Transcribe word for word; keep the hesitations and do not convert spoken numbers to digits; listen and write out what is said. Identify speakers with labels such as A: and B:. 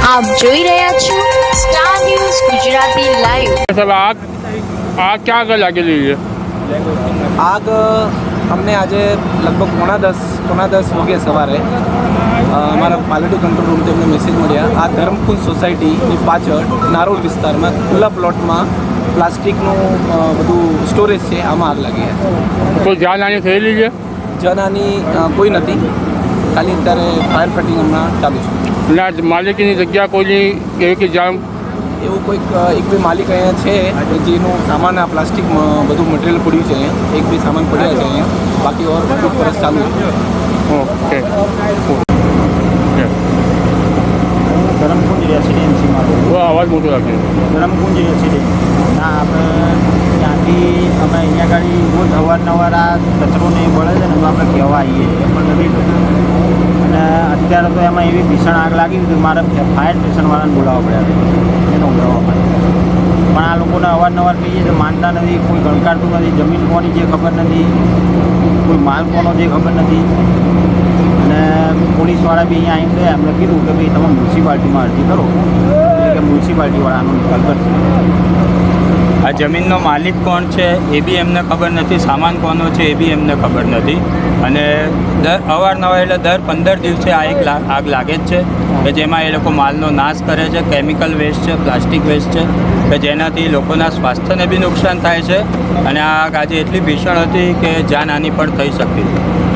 A: આપ જોઈ રહ્યા છો સ્ટાર ન્યૂઝ ગુજરાતી લાઈવ।
B: સાહેબ આગ આગ ક્યાં આગળ લાગેલી છે?
C: આગ અમને આજે લગભગ પોણા દસ પોણા દસ વાગે સવારે અમારા ક્વોલિટી કંટ્રોલ રૂમથી અમને મેસેજ મળ્યા। આ ધર્મકુંજ સોસાયટીની પાછળ નારોલ વિસ્તારમાં ખુલ્લા પ્લોટમાં પ્લાસ્ટિકનું બધું સ્ટોરેજ છે, આમાં આગ લાગી છે।
B: કોઈ જાનહાની થયેલી છે?
C: જાનહાની કોઈ નથી, ખાલી અત્યારે ફાયર ફાઇટિંગ હમણાં ચાલુ છે।
B: ના માલિકીની જગ્યા કોઈની એવી કે જાણ
C: એવું કોઈક એક બે માલિક અહીંયા છે જેનું સામાન આ પ્લાસ્ટિકમાં બધું મટીરિયલ પડ્યું છે, અહીંયા એક બે સામાન પડ્યા છે અહીંયા, બાકી ઓર પરસ ચાલુ છે।
B: ઓકે
D: ધરમકુંજ રેસિડેન્સીમાં
B: અવાજ મોટો રાખે
D: ધરમકુંજ રેસિડેન્સી ના આપણે ત્યાંથી અમે અહીંયા ગાડી રોજ અવારનવાર આ કચરો ને એ બળે છે ને તો આપણે કહેવા આવીએ છીએ પણ નથી થતું। અને અત્યારે તો એમાં એવી ભીષણ આગ લાગી હતી, મારે ફાયર સ્ટેશનવાળાને બોલાવવા પડ્યા એને ઉડાવવા માટે, પણ આ લોકોને અવારનવાર કહીએ તો માનતા નથી, કોઈ ગણકારતું નથી, જમીન કોની જે ખબર નથી, કોઈ માલ કોનો જે ખબર નથી। અને પોલીસવાળા બી અહીંયા આવીને ગયા, એમને કીધું કે ભાઈ તમે મ્યુનિસિપાલિટીમાં અરજી કરો, એટલે કે મ્યુનિસિપાલિટીવાળાનો નિકાલ કરશે।
E: આ જમીનનો માલિક કોણ છે એ બી એમને ખબર નથી, સામાન કોનો છે એ બી એમને ખબર નથી। અને દર અવારનવાર એટલે દર પંદર દિવસે આ એક આગ લાગે જ છે કે જેમાં એ લોકો માલનો નાશ કરે છે, કેમિકલ વેસ્ટ છે, પ્લાસ્ટિક વેસ્ટ છે કે જેનાથી લોકોના સ્વાસ્થ્યને બી નુકસાન થાય છે। અને આ આગ આજે એટલી ભીષણ હતી કે જાનહાનિ પણ થઈ શકતી હતી।